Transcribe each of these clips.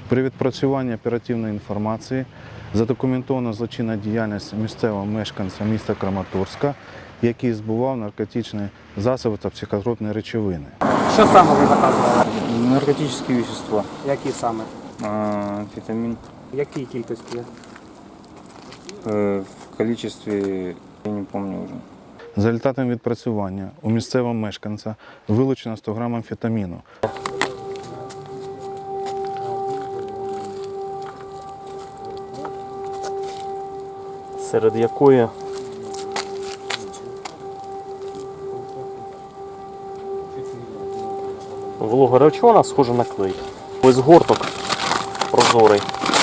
При відпрацюванні оперативної інформації задокументовано злочинна діяльність місцевого мешканця міста Краматорська, який збував наркотичні засоби та психотропні речовини. Що саме ви заказували? Наркотические вещества, Які саме? амфетамин В якій кількості? в количестве, я не помню уже. За результатом відпрацювання у місцевого мешканця вилучено 100 грам амфетаміну. Серед якої волога речовина схожа на клей. Ось згорток прозорий.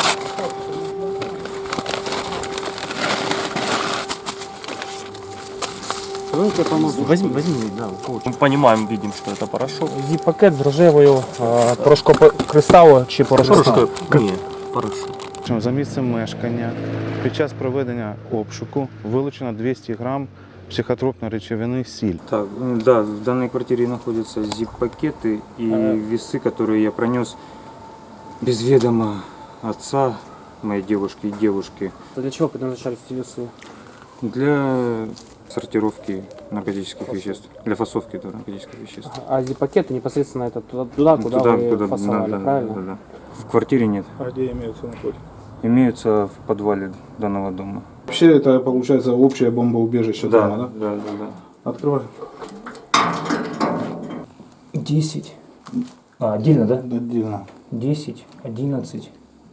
Возьми, да, мы понимаем, видим, что это порошок. Зіп-пакет з рожевою порошкокристалу чи порошком? Ні, порошок. За місцем мешкання під час проведення обшуку вилучено 200 грам психотропної речовини сіль. Так, да, в данной квартире находятся zip-пакеты и весы, которые я пронес без ведома отца моей девушки и девушки Для чого предназначались ці веси? для сортировки наркотических веществ, для фасовки наркотических веществ. А зіп-пакеты непосредственно это туда, куда вы фасовали, правильно? да. В квартире нет. А где имеются наркотики? Имеются в подвале данного дома. Вообще это получается общее бомбоубежище дома, да? Да, да, да. Открывай. 10. Отдельно, да? Отдельно. 10, 11,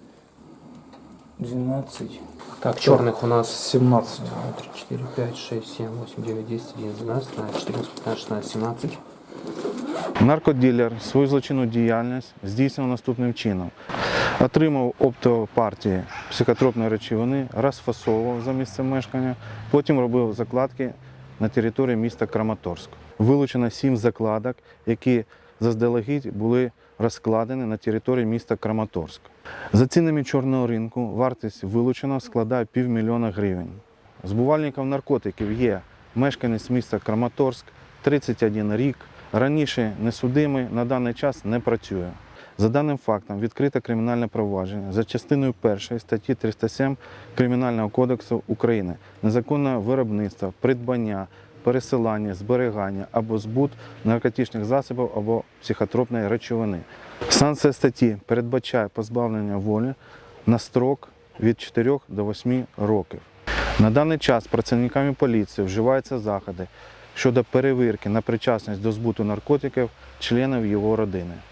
12. Так, черных у нас 17. 3, 4, 5, 6, 7, 8, 9, 10, 11, 12, 13, 14, 15, 16, 17. Наркодилер свою злочинну діяльність здійснював наступним чином. Отримав оптові партії психотропної речовини, розфасовував за місцем мешкання, потім робив закладки на території міста Краматорськ. Вилучено 7 закладок, які заздалегідь були розкладені на території міста Краматорськ. За цінами чорного ринку вартість вилученого складає 500 000 гривень. Збувальником наркотиків є мешканець міста Краматорськ, 31 рік, раніше несудимий, на даний час не працює. За даним фактом відкрито кримінальне провадження за частиною 1 статті 307 Кримінального кодексу України незаконне виробництво, придбання, пересилання, зберігання або збут наркотичних засобів або психотропної речовини. Санкція статті передбачає позбавлення волі на строк від 4 до 8 років. На даний час працівниками поліції вживаються заходи щодо перевірки на причасність до збуту наркотиків членів його родини.